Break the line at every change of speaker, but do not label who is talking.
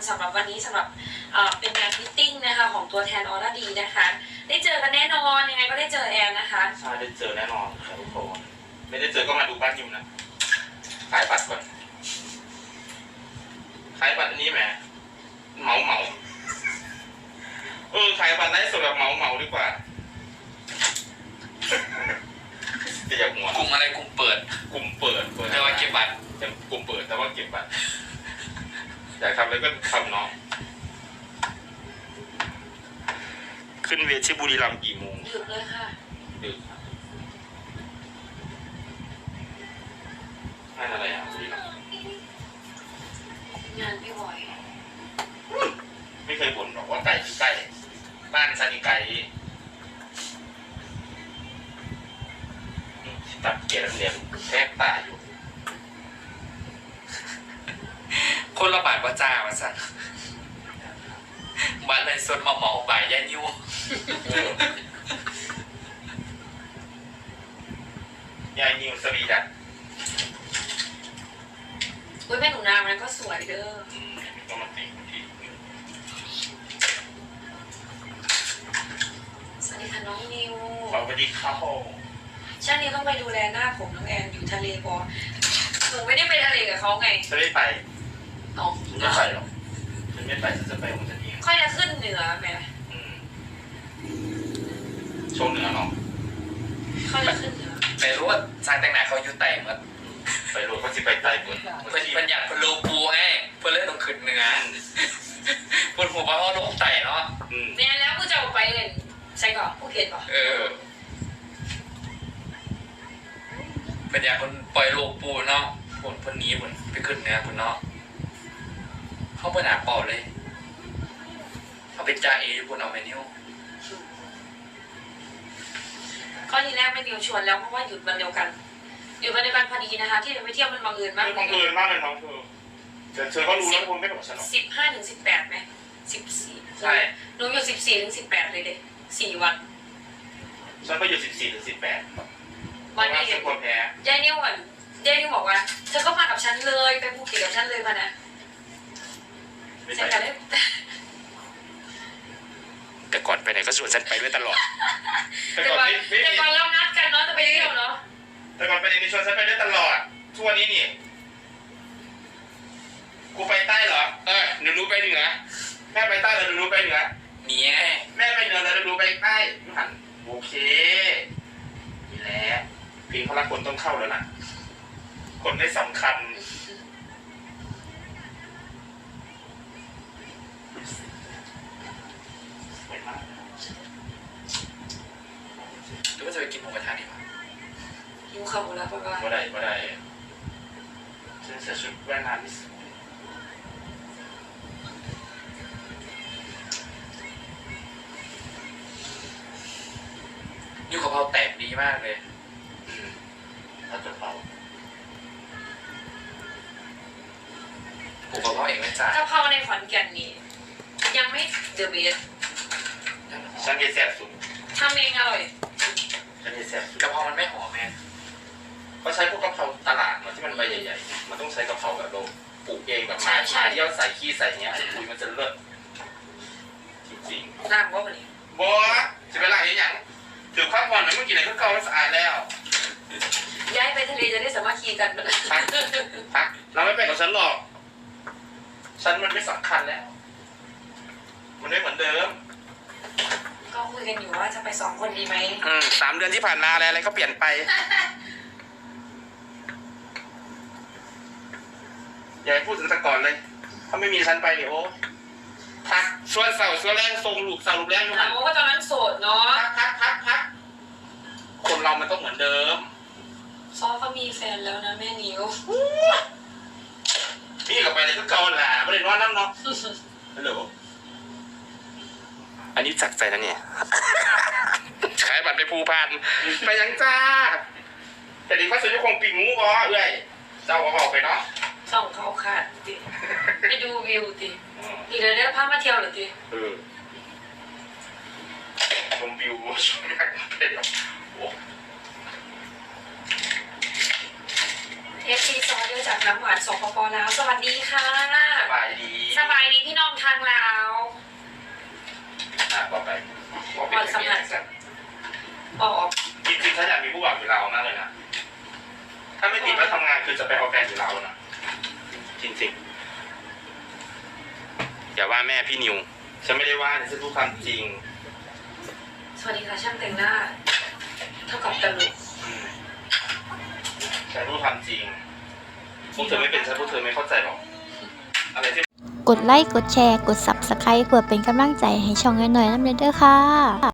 สำหรับวันนี้สำหรับเป็นงานมิทติ้งนะคะของตัวแทนออร่าดีนะคะได้เจอกันแน่นอนยังไงก็ได้เจอแอนนะคะ
ใช่ได้เจอแน่นอนครับทุกคนไม่ได้เจอก็มาดูบ้านยิมนะขายบัตรก่อนขายบัตรอันนี้แหมเหมาขายบัตรได้สดแบบเหมาดีกว่าจะอยากหัว
กลุ่มอะไรกลุ่มเปิด
กลุ่มเปิด
แต่ว่าเก็บบัตร
กลุ่มเปิดแต่ว่าเก็บบัตรอยากทำอะไรก็ทำเนาะขึ้นเวทีบุรีรัมย์กี่โมง
ดึกเลยค่ะ
ดึกงานอะไรอ่ะบุรีรัมย์
งานพี่บอย
ไม่เคยบ่นหรอกว่าไก่ที่ใกล้บ้านซานิไก่ตัดเกียร์เหลี่ยมแทบตาอยู่
คนละบาทว่าจ้ามาสั่นบัตรเลยสดมาหมอบ่ายย่านิ้ว
ยายนิวสวีดัต
อุ้ยแม่หนูนามันก็สวยเด้อ
ก็มาติดที่
สวัสดีค่ะน้องนิว
สวัสดีครับผม
ช่างนี้ต้องไปดูแลหน้าผมน้องแอนอยู่ทะเลปอหนูไม่ได้ไปทะเลกับเขาไง
จะได้ไป
เอา
ไม่ไปหรอกฉันไม่ไปฉันจะไปของฉันเอง
ค่อยจะขึ้นเหนือแหม
โชว์เหนือเนาะ
ค่อยจะขึ้นเหนือ
ไปรู้ว่าชายแต่งหน้าเขาอยู่ไต่เหมือน
ไปรู้เขาจะไปใต้บน
เพื่อนอยากเป็นโลปูไงเพื่อนเล่นต้องขึ้นเหนือเพื่อนหัวว่าเขาลงไต่เนาะ
เนี่ยแล้วกูจะเอาไปเลยใช่ก่อนผู้เขียนก่อน
เพื่อนอยากคนปล่อยโลปูเนาะเพื่อนนี้เพื่อนไปขึ้นเหนือเพื่อนเนาะเขาเพื่อนหาเป่าเลยเขาเป็นจ่าเอเพื่อนเอาไปนิ้ว
ข้อที่แรกไม่นิวชวนแล้วเพราะว่าหยุดวันเดียวกันหยุดวันเดียวกันพอดีนะคะที่ไปเที่ยวมันบังเอิญมาก
บังเอิญมากเลยน้องเธอก็รู้แล้วคุณไม่บอกฉันหรอก
15 ถึง 18ไหม14
ใช่
หนูอยู่14 ถึง 18เลยเด็4 วัน
ฉันไปอยู่14 ถึง 18
วันนี้
ฉันกลัวแพ้
ยายนิวบอกว่าเธอก็มากับฉันเลยไปภูเก็ตกับฉันเลยมานะ
ไม่
ใช่
ไป
กันเลย
แต่ก่อนไปไหนก็ชวนฉันไปด้วยตลอด
แต่ก่อนไม่
แต่ก่อนเรานัดกันเนาะจะไปเที่ยวเนาะ
แต่ก่อนไปในชวนฉันไปได้ตลอดทุกวันนี้นี่กูไปใต้เหรอหนูรู้ไปเหนือแม่ไปใต้แล้วหนูรู้ไปเหนือ
มีไง
แม่ไปเหนือแล้วหนูรู้ไปใต้ยูหันโอเคนี่แหละเพลงพละคนต้องเข้าแล้วนะคนได้สำคัญสวยมาก
หรือว่าจะไปกินหมูกระทะดีกว่า
หิวข้าวแล้วป่ะว่า
ไม่ได้ฉันใส่ชุดว่ายน้ำที่สวย
ยูกะเพราแตกดีมากเลย
ถ้าจะเป่า
ผูกกะเพราเองไม่จ่าย
กะเพราในขอนแก่นนี่ยังไม่เดอะเบส
ฉันเห็นแซ่บสุด
ทำเองอร่อย
ฉันเห็นแซ่บสุด
กะเพรามันไม่หอมแม่
เขาใช้พวกกะเพราตลาดมันที่มันใบใหญ่ๆมันต้องใช้กะเพราแบบเราปลูกเองแบบมาเยี่ยวใส่ขี้ใส่เนี้ยปุ๋ยมันจะเลิศจริง
ล้างว่าวันนี้
ๆบัวจะไปล้างอย่างถือความผ่อนมันเมื่อกี้ไหนก็เก่าสะอาดแล้ว
ย้ายไปทะเลจะได้สามัคคีกันไปเลย
พักเราไม่ไปกับฉันหรอกฉันมันไม่สำคัญแล้วมันไม่เหมือนเดิม
ก็คุยกันอยู่ว่าจะไป2 คนดีไหม
3 เดือนที่ผ่านมาอะไรก็เปลี่ยนไปอย่าให้พูดถึงแต่ก่อนเลยถ้าไม่มีฉันไปเดี๋ยวพักส่วนเสาส่วนแรงทรงลูกเสาลูกแรงอยู่
ถา
หั
ม
น
ว่าตอนนั้นโสดเนาะ
พักคนเรามันต้องเหมือนเดิม
ซอเขามีแฟนแล้วนะแม่นิว
นี่กับไปเลยก็เกาหลาไม่ได้นอนน้ำเนาะฮัลโหลอันนี้จักใจนะเนี่ยขายบัตรไปภูพานไปยังจ้าแต่ดีว่าซื้อคงปีงูก็เอ้ยเจ้าก็บอกไปเนาะ
ส่องเขาขาดติไปดูวิวติอีกเดี๋ยวได้พามาเที่ยวเหรอติ
ชมวิวชมนักเตะโอ้
FC ซอเดียวจากน้ำหวานสปปลาวสวัสดีค่ะ
บายดี
สบายดีพี่น้องทางลาว
บอกไป
ก่อนสัมผัสกับออก
จริงๆถ้าอยากมีผู้บ่าวอยู่ลาวมากเลยนะถ้าไม่ติดว่าทำงานคือจะไปเอาแฟนอยู่ลาวนะจริงๆอย่าว่าแม่พี่นิวฉันไม่ได้ว่าฉันพูดความจริง
สวัสดีค่ะช่างแต่งหน้า เท่ากับตลก
ฉันพูดความจริงพวกเธอไม่เป็นฉันพวกเธอไม่เข้าใจหรอกอะไรที่
กดไลค์ กดแชร์ กด Subscribe เพื่อเป็นกำลังใจให้ช่องน้อยๆน้ำเด้อค่ะ